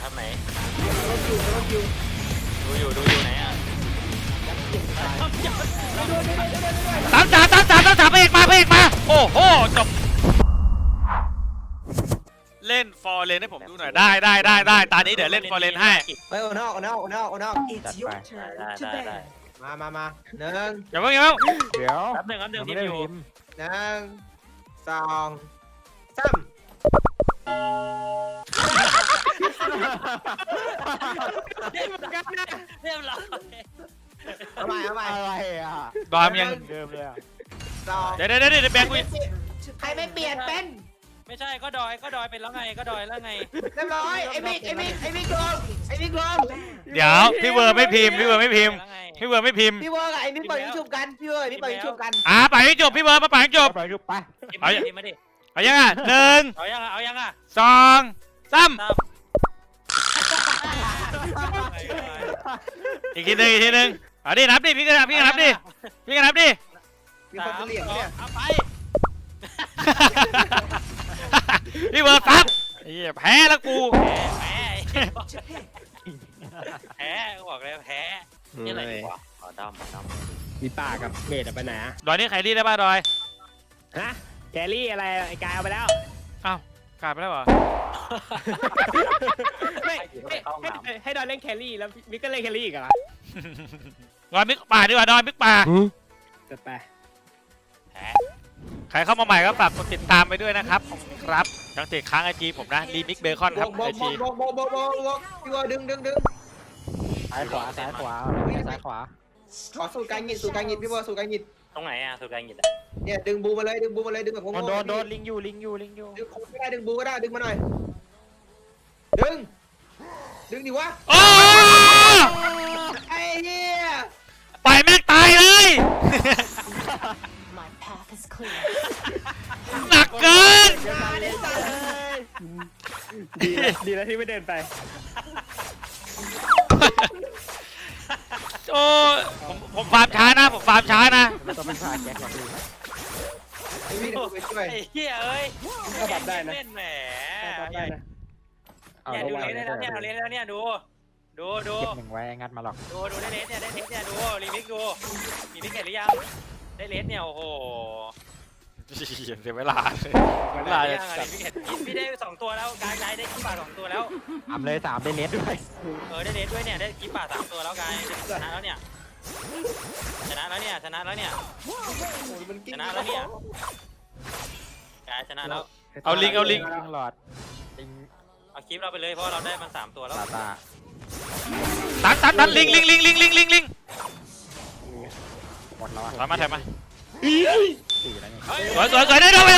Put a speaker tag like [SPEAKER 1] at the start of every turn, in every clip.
[SPEAKER 1] ทำไหน
[SPEAKER 2] รถอยู่
[SPEAKER 1] ดูอยู่ไหนอ่ะ
[SPEAKER 2] ตามจ่าพระเอกมาโอ้โหจบเล่นฟอร์เรนให้ผมดูหน่อยได้ตอนนี้เดี๋ยวเล่นฟอร์เรนให้
[SPEAKER 3] ไปโอนอก
[SPEAKER 4] It's your turn to
[SPEAKER 1] ได้
[SPEAKER 4] ban.
[SPEAKER 3] มาหนึ่ง
[SPEAKER 2] อย่าเพิ่ง
[SPEAKER 5] เดี๋ยว
[SPEAKER 1] แป๊บหนึ่งทีม
[SPEAKER 5] ไม่ได้
[SPEAKER 1] อยู่
[SPEAKER 5] พิมพ์
[SPEAKER 3] หนึ่งสองสาม
[SPEAKER 1] เรียบร้อย
[SPEAKER 3] เอาใหม่
[SPEAKER 5] อะไรอ่ะ
[SPEAKER 2] ดอมยัง
[SPEAKER 5] เดิมเลยอ่ะ
[SPEAKER 3] สอง
[SPEAKER 2] เดี๋ยวแบงค์กู
[SPEAKER 3] ใครไม่เปลี่ยนเป็น
[SPEAKER 1] ไม่ใช่ก็ดอยเป็นแล้วไงก็ดอยแล้วไง
[SPEAKER 3] เรียบร้อยไอ้มิกลง
[SPEAKER 2] เดี๋ยวพี่เวอร์ไม่พิมพ์พี่เวอร์ไม่พิมพ์
[SPEAKER 3] พี่เวิร์กกับไอ้มิกเปิดยูทูบกันพี่เวิร์กนี่เปิดยูทูบกัน
[SPEAKER 2] ไปให้จบพี่เวอร์มาไปให้จบ
[SPEAKER 5] ไปดูไป
[SPEAKER 1] ทีมมาดิ
[SPEAKER 2] เอายังอ่ะ1
[SPEAKER 1] เอายังอ่ะ
[SPEAKER 2] 2 3อีกทีหนึ่งเอาดินับดิพี่ก็นับดิ
[SPEAKER 3] มีคนจะเหลี่ยมเนี่ย
[SPEAKER 1] เอาไป
[SPEAKER 2] พี่เวอร์ปั๊บแพ้แล้วกู
[SPEAKER 1] แพ้บอกเลยแพ้นี่อะไรดีวะขอดำ
[SPEAKER 6] มีป่ากับเบสไปไหนอะ
[SPEAKER 2] ดอยนี่ใครรีดได้ป่ะดอย
[SPEAKER 6] ฮะแกรี่อะไรไอ้กายเอาไปแล้ว
[SPEAKER 2] อ้าวกลายไปแล้วเหรอ
[SPEAKER 6] ไม่ให้ดอนเล่นแครี่แล้วมิกก็เล่นแครี่อีกเหรอ
[SPEAKER 2] ดอยมิกป่าดีกว่าดอยมิกป่า
[SPEAKER 6] จะไป
[SPEAKER 2] ใครเข้ามาใหม่ก็ฝากกดติดตามไปด้วยนะครับขอบคุณครับยังติดค้างไอจีผมนะรีมิกเบคอนครับไอจี
[SPEAKER 3] บอกพี่เวิร์กดึง
[SPEAKER 5] ซ้ายขวาซ้ายขวาขวา
[SPEAKER 3] ขอสูตรการหงิดพี่เวิร์กสูตรการหงิด
[SPEAKER 1] ตรงไหนอ่ะสุดการหยิบ
[SPEAKER 3] เนี่ยดึงบูมาเลยดึงแบบงง
[SPEAKER 5] โดนลิงอยู่
[SPEAKER 3] ดึงโค้งก็ได้ดึงบูก็ได้ดึงมาหน่อยดึงดิวะ
[SPEAKER 2] โอ้
[SPEAKER 3] ไอ้เหี้ย
[SPEAKER 2] ปล่อยแม่งตายเลย
[SPEAKER 4] My path is clear.
[SPEAKER 2] หนักเกิน
[SPEAKER 6] ดีแล้วที่ไม่เดินไป
[SPEAKER 2] โอ้ผมฟาร์มช้านะ
[SPEAKER 5] แล้วก็เป็นพาแก๊กก่อนดู
[SPEAKER 3] ไอ้พี่เดี๋ยวไปช่วย
[SPEAKER 1] ไอ้เหี้ยเอ้ย
[SPEAKER 6] ก็ปรับได้นะ
[SPEAKER 1] เล่นแหม
[SPEAKER 6] ปรับได้นะ
[SPEAKER 5] เอา
[SPEAKER 1] เนี่ย
[SPEAKER 5] แล้ว
[SPEAKER 1] ดูเลสได้แล้วเนี่ยเราเลสแล้วเนี่ยดู
[SPEAKER 5] เก็บ1ไว้งัดมาหรอก
[SPEAKER 1] ดูได้เลสเนี่ยดูรีมิกเห็นหรือยังได้เลสเนี่ยโอ้โห
[SPEAKER 2] เสียเวลาเลย
[SPEAKER 1] ได้ยังรีมิกเห็นพี่ได้2ตัวแล้วกายได้กิปป่า2ตัวแล้ว
[SPEAKER 5] 3เลย3ได้เลสด้วย
[SPEAKER 1] ได้เลสด้วยเนี่ยได้กิปป่า3ตัวแล้วกายชนะแล้วเนี่ยกายชนะแล้ว
[SPEAKER 2] เอาลิง
[SPEAKER 5] ลิงหลอดลิง
[SPEAKER 1] เอาคลิปเราไปเลยเพราะเราได้มัน3ตัวแล้ว
[SPEAKER 5] ตา
[SPEAKER 2] ตันลิง
[SPEAKER 5] หมดแล้วอ่ะ
[SPEAKER 2] ถอยมา
[SPEAKER 5] 4แล้วนี่
[SPEAKER 2] สวยได้ด้วย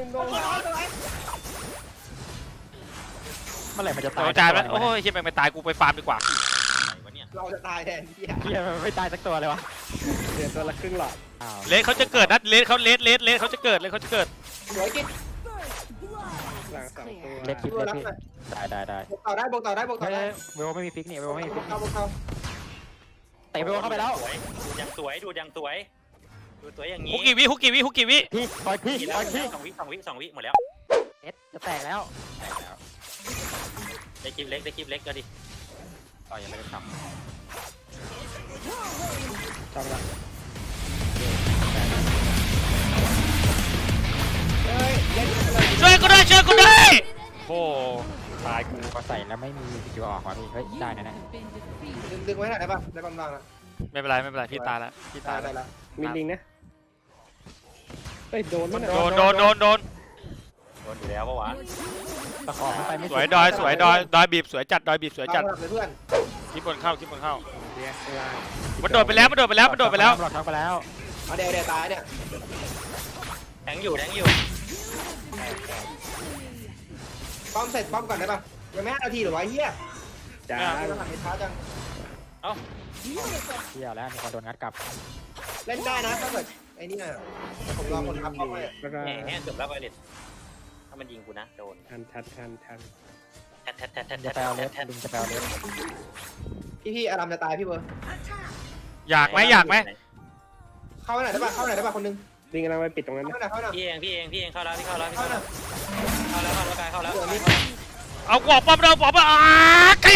[SPEAKER 5] เมื่อไหร่มันจะ
[SPEAKER 2] ตา
[SPEAKER 5] ตาย
[SPEAKER 2] ยจานแล้วโอ้ยเฮียแม่งไม่ตายกูไปฟาร์มดีกว่า
[SPEAKER 3] เราจะตายแทนพี่
[SPEAKER 5] เฮียมันไม่ตายสักตัวเลยวะ
[SPEAKER 6] เดี๋ยวตัวละครึ่งหลอด
[SPEAKER 5] อ้าว
[SPEAKER 2] เลสเขาจะเกิดนะเลสเขาจะเกิด
[SPEAKER 3] สวยกิน
[SPEAKER 6] หลังสองตัว
[SPEAKER 5] เล็กคิด
[SPEAKER 3] ตัว
[SPEAKER 5] เล็ก
[SPEAKER 3] รับ
[SPEAKER 5] พี่
[SPEAKER 3] หน่อย
[SPEAKER 5] ได้
[SPEAKER 3] บอกต่อได้
[SPEAKER 5] เวลไม่มีฟิกนี่เวลไม่มีฟิก
[SPEAKER 3] เข้า
[SPEAKER 5] เตะเวลเข้าไปแล้ว
[SPEAKER 1] ดูยังสวยอย่างนี้
[SPEAKER 2] ฮุกกี่วิ
[SPEAKER 5] พี่ปล่อยพี่
[SPEAKER 1] 2 วิหมดแล้ว
[SPEAKER 5] เอสจะแตกแล้ว
[SPEAKER 1] ได้คลิปเล็กก็ดิ
[SPEAKER 5] ต่อยังไม่ได้ท
[SPEAKER 6] จำละ
[SPEAKER 2] ช่วยกูด้วยโอ้
[SPEAKER 5] ำตายกูพอใส่แล้วไม่มีสกิลออกว่ะพี่เฮ้ยได้นะ
[SPEAKER 3] ดึงไว้หน่อยได้ป่ะได้บางๆนะ
[SPEAKER 2] ไม่เป็นไรพี่ตายแล้ว
[SPEAKER 3] ได้แล้ว
[SPEAKER 6] มีลิงนะเฮ้ยโดนมั้ย
[SPEAKER 2] โดน
[SPEAKER 1] โดนอยู่แล้วปะวะ
[SPEAKER 5] ตะขอไปไม่
[SPEAKER 2] สวยดอยบีบสวยจัด
[SPEAKER 3] เลยเพื่อน
[SPEAKER 2] คลิปบนเข้า
[SPEAKER 6] เดี๋ยว
[SPEAKER 2] มันโดดไปแล้ว
[SPEAKER 5] หลอกทั้งไปแล้ว
[SPEAKER 3] เอาเดี๋ยวตายเนี่ย
[SPEAKER 1] แทงอยู่
[SPEAKER 3] ป้อมเสร็จป้อมก่อนได้ป่ะยังไม่5 นาทีหรอวะเฮีย
[SPEAKER 6] จ้า
[SPEAKER 3] มันหันไปช้าจัง
[SPEAKER 5] เที่ยวแล้วมีคนโดนงัดกลับ
[SPEAKER 3] เล่นได้นะถ้าเกิดไอ้นี่น่ะผมรอคนรับป้อมไว้
[SPEAKER 6] แล้วก็
[SPEAKER 1] แหมจบแล้วไวเลสถ้ามันยิงกูนะโดน
[SPEAKER 6] ทัน
[SPEAKER 5] จะแปลเลสลิงจะแปลเลส
[SPEAKER 3] พี่อารามจะตายพี่เบิร์
[SPEAKER 2] อยากไหม
[SPEAKER 3] เข้าไหนได้ป่ะคนนึง
[SPEAKER 6] ลิงกำลังไปปิดตรงนั้น
[SPEAKER 3] เข้า
[SPEAKER 6] นะ
[SPEAKER 3] หน่อย
[SPEAKER 1] พี่เองเข้าแล้วเข้าแล้ว
[SPEAKER 3] เข้าหน่อย
[SPEAKER 1] กายเข้าแล้ว
[SPEAKER 2] เอากวกป้อมเราป้อมไก่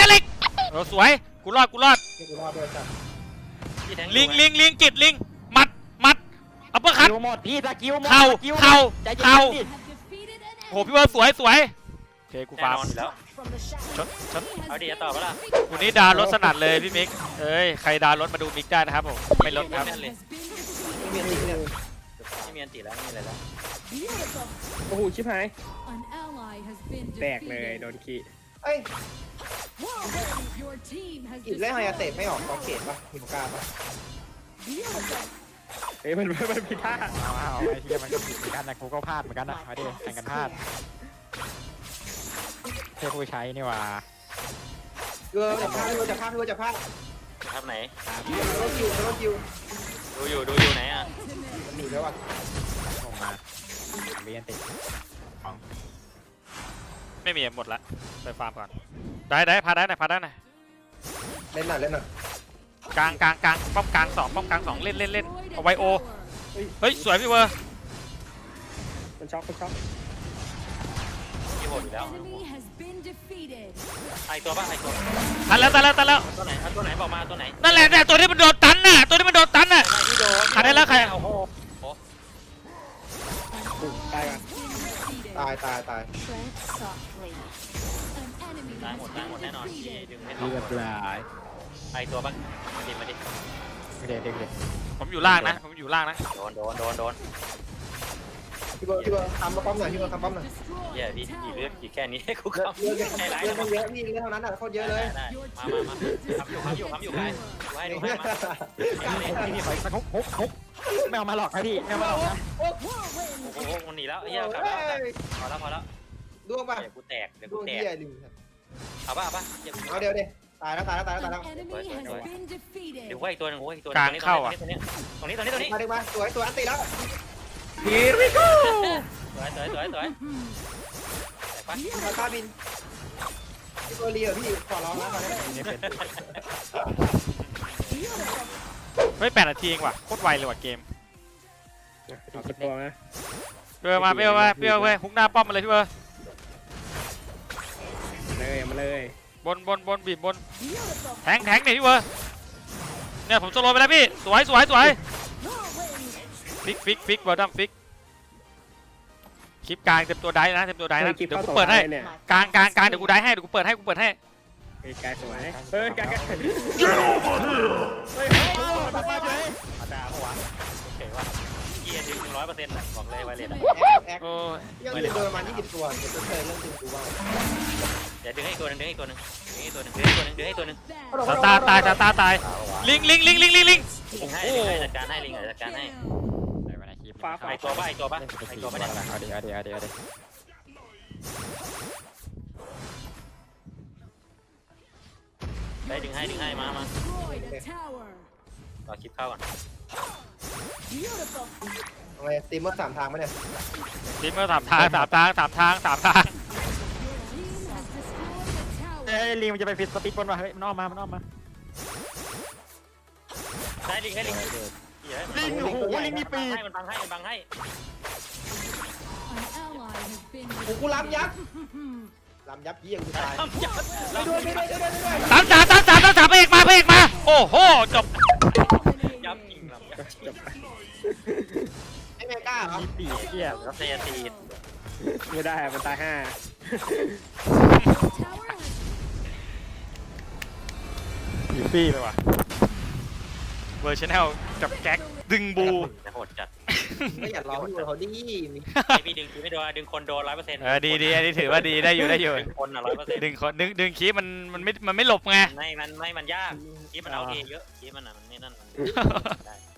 [SPEAKER 2] สวยกูรอด
[SPEAKER 3] นี่กูรอดด้วยจ้ะ
[SPEAKER 1] พี่แทง
[SPEAKER 2] ลิงกิดลิงมัดอัปเปอร์คัต
[SPEAKER 5] คิวหมดพี่ตะคิวหมด
[SPEAKER 2] เข่า
[SPEAKER 5] ตะคิว
[SPEAKER 2] เข่า
[SPEAKER 5] ใจเย็น
[SPEAKER 2] เข่า
[SPEAKER 5] ดิ
[SPEAKER 2] โอ้โหพี่เบิร์ดสวยโอเคกู
[SPEAKER 1] แน่
[SPEAKER 2] ฟาร์
[SPEAKER 1] น
[SPEAKER 2] ม
[SPEAKER 1] อนอยู่แล้ว
[SPEAKER 2] ชด
[SPEAKER 1] เอาดีจะตอบปะล่ะ
[SPEAKER 2] วันนี้ดาวรถสนัดเลยพี่มิกเอ้ยใครดาวรถมาดูมิกได้นะครับผมไม่ลดครับ
[SPEAKER 1] แน่นเลย
[SPEAKER 3] ไม่มีอันนี้เนี่ย
[SPEAKER 1] ไม่มีอันติแล้วไม่มีอะไรแล้ว
[SPEAKER 6] โอ้โหชิบหาย
[SPEAKER 4] An ally has been
[SPEAKER 6] แตกเลย
[SPEAKER 4] defeated.
[SPEAKER 6] โดนขี้
[SPEAKER 3] เอ้ย
[SPEAKER 4] Your team has
[SPEAKER 3] กินเล่นไฮยาเตะ
[SPEAKER 4] destroyed.
[SPEAKER 3] ไม่ออกกองเขตปะหิมกาปะ
[SPEAKER 4] Beautiful.
[SPEAKER 6] เอ้ยมันผิดท่า
[SPEAKER 5] เอาไอ้เหี้ยมันก็ผิดเหมือนกันนะกูก็พลาดเหมือนกันนะมาดิแข่งกันพลาดเทผู้ใช้นี่หว่า
[SPEAKER 3] เออจะพลาดจะพลาด
[SPEAKER 1] ครับไหน
[SPEAKER 3] รถคิว
[SPEAKER 1] ดูอยู่ไหนอ่ะ
[SPEAKER 3] มันหนีแล้วอ่ะ
[SPEAKER 5] ลงมาเรียนติด
[SPEAKER 2] ไม่มีหมดละไปฟาร์มก่อนได้พาได้หน่อย
[SPEAKER 3] เล่นหน่อย
[SPEAKER 2] กลางป้อมกลางสองเล่นเอาไวโอเฮ้ยสวยพี่เวอร์
[SPEAKER 6] มันช็อก
[SPEAKER 1] พี่โหดอยู่แล้ว
[SPEAKER 4] Enemy has been defeated.
[SPEAKER 1] ไอตัวปะไอตัว
[SPEAKER 2] ตันแล้ว
[SPEAKER 1] ตัวไหนบอกมาตัวไหน
[SPEAKER 2] นั่นแหละเนี่ยตัวที่มันโดนตันน่ะ
[SPEAKER 1] ที่โดน
[SPEAKER 2] ขาดได้แล้วใคร
[SPEAKER 1] โอ้โห
[SPEAKER 6] ตายก่อน
[SPEAKER 3] ตาย
[SPEAKER 4] Tread softly. An enemy
[SPEAKER 1] ตาย
[SPEAKER 4] has
[SPEAKER 1] หมด
[SPEAKER 4] been
[SPEAKER 1] แน่นอน
[SPEAKER 4] defeated.
[SPEAKER 1] ดึงไม่ต
[SPEAKER 5] เรียบ
[SPEAKER 1] ก
[SPEAKER 5] ร้อย
[SPEAKER 1] ไอตัวปะมาดิ
[SPEAKER 5] เด็ก
[SPEAKER 2] ผมอยู่ล่างนะ
[SPEAKER 1] โดน
[SPEAKER 3] พี่เบิร์ดทำป้อมหน่อยพี่เบิร์ดทำป้อมหน่อย
[SPEAKER 1] เหี้ยพี่กี่เลือดกี่แค่นี้กู
[SPEAKER 3] เย
[SPEAKER 1] เข้า
[SPEAKER 3] อะเยอะ
[SPEAKER 1] ใจร้าย
[SPEAKER 3] เย
[SPEAKER 1] นะ
[SPEAKER 3] อะเยอะพี่เรื่องเท่านั้นอ่ะโคตรเยอะเลย
[SPEAKER 1] ได้มาทำอยู่ใครดูให้มา
[SPEAKER 5] พี่ขออีกสักฮุกไม่เอามาหรอกนะพี่ไม่เอามาหรอกนะ
[SPEAKER 1] โอ้โหมันหนีแล้วไอ้เหี้ยกลับแล้วพอแล้ว
[SPEAKER 3] ดวงป่ะ
[SPEAKER 1] เดี๋ยวกูแตก
[SPEAKER 3] ดวงเหี้ยดิ
[SPEAKER 1] เอาป่ะ
[SPEAKER 3] เอาเดี๋ยวตายแล้ว
[SPEAKER 4] An enemy has been defeated.
[SPEAKER 1] เดี๋ยวว่าอีกตัวนึงตรงนี้
[SPEAKER 3] มาสวยอันตีแล้ว
[SPEAKER 1] สวย
[SPEAKER 3] มาคาบินพี่เบอร์ลีพี่ขอร้องนะตอนนี้
[SPEAKER 5] นี่เป็น
[SPEAKER 2] เฮ้ย8 นาทีเองว่ะโคตรไวเลยว่ะเกม
[SPEAKER 6] เอาสักตัวนะ
[SPEAKER 2] เปรี้ยวมาเว้ยฮุกหน้าป้อมมาเลยพี่เวอร์
[SPEAKER 6] มาเลย
[SPEAKER 2] บนบีบบนแทงเนี่ยพี่เวอร์เนี่ยผมโซโลไปแล้วพี่สวยฟิกบอลดัมฟิกคลิปกลางเต็มตัวได้นะเดี๋ยวกูเปิดให้
[SPEAKER 6] เนี่ย
[SPEAKER 2] กลางเดี๋ยวกูได้ให้เดี๋ยวกูเปิดให้
[SPEAKER 6] ไอ้กายสวยเฮ้ยกายเฮ้ย
[SPEAKER 1] มาด่าหัวโอเคว่าเกียร์ดึง 100%บอกเลยไวเลส
[SPEAKER 3] แอค
[SPEAKER 2] โอ้ย
[SPEAKER 3] ยังโดนประมาณ20ตัวเดี๋ยวจะเคยเรื่องจริงกูว่า
[SPEAKER 1] เดี๋ยวดึงให้ตัวนึงดึงให้ตัวนึง
[SPEAKER 2] ตาตายลิง
[SPEAKER 1] ลิงให้จัดการให้ลิงจัดการให้
[SPEAKER 5] ในวันอาทิตย์
[SPEAKER 1] ไอตัวป่ะเนี่ย
[SPEAKER 5] เอาดิ
[SPEAKER 1] ได้ดึงให้มา
[SPEAKER 4] Destroyed a tower.
[SPEAKER 1] รอคลิปเข้าก่อน
[SPEAKER 4] Beautiful.
[SPEAKER 3] ทำไมตีเมอร์3 ทางไหมเนี่ย
[SPEAKER 2] ทีมเมอร์3 ทาง
[SPEAKER 4] Your team has destroyed a
[SPEAKER 5] เอ้
[SPEAKER 4] tower.
[SPEAKER 5] ยลิงมันจะไปฟิตสปีดบนว่ะเฮ้ยมันออกมา
[SPEAKER 1] ได้ลิงให้ลิง
[SPEAKER 5] ลิงโอ้โหลิงมีปีก
[SPEAKER 1] มันบังให้
[SPEAKER 4] An ally has been
[SPEAKER 3] กูล้ำยับเยี่ยงกูตาย
[SPEAKER 1] ทำยับ
[SPEAKER 3] ด้วย
[SPEAKER 2] ตามพระเอกมาโอ้โหจบ
[SPEAKER 4] defeated.
[SPEAKER 1] ยับจริงเรา
[SPEAKER 6] จบไป
[SPEAKER 3] ไอ้เมก้าเหรอ
[SPEAKER 5] มีปีกเหี้ย
[SPEAKER 1] แล้วเซียตี
[SPEAKER 6] ไม่ได้มันตาย5
[SPEAKER 4] Tower has
[SPEAKER 2] อยู่ปี้เลยว่ะเวอร์ชันแนลจับแก๊กดึงบู
[SPEAKER 1] โหดจัด
[SPEAKER 3] ไม่อยากร้องอยู่เขาดิ
[SPEAKER 1] พี่ดึงไม่โดนดึงคนโดน 100%
[SPEAKER 2] ดีอันนี้ถือว่าดีได้อยู่
[SPEAKER 1] ดึงคน100%
[SPEAKER 2] ดึงคีบมันไม่หลบไง
[SPEAKER 1] มันยากคีมันเอาเอเยอะคีมันมันไม่นั่นได้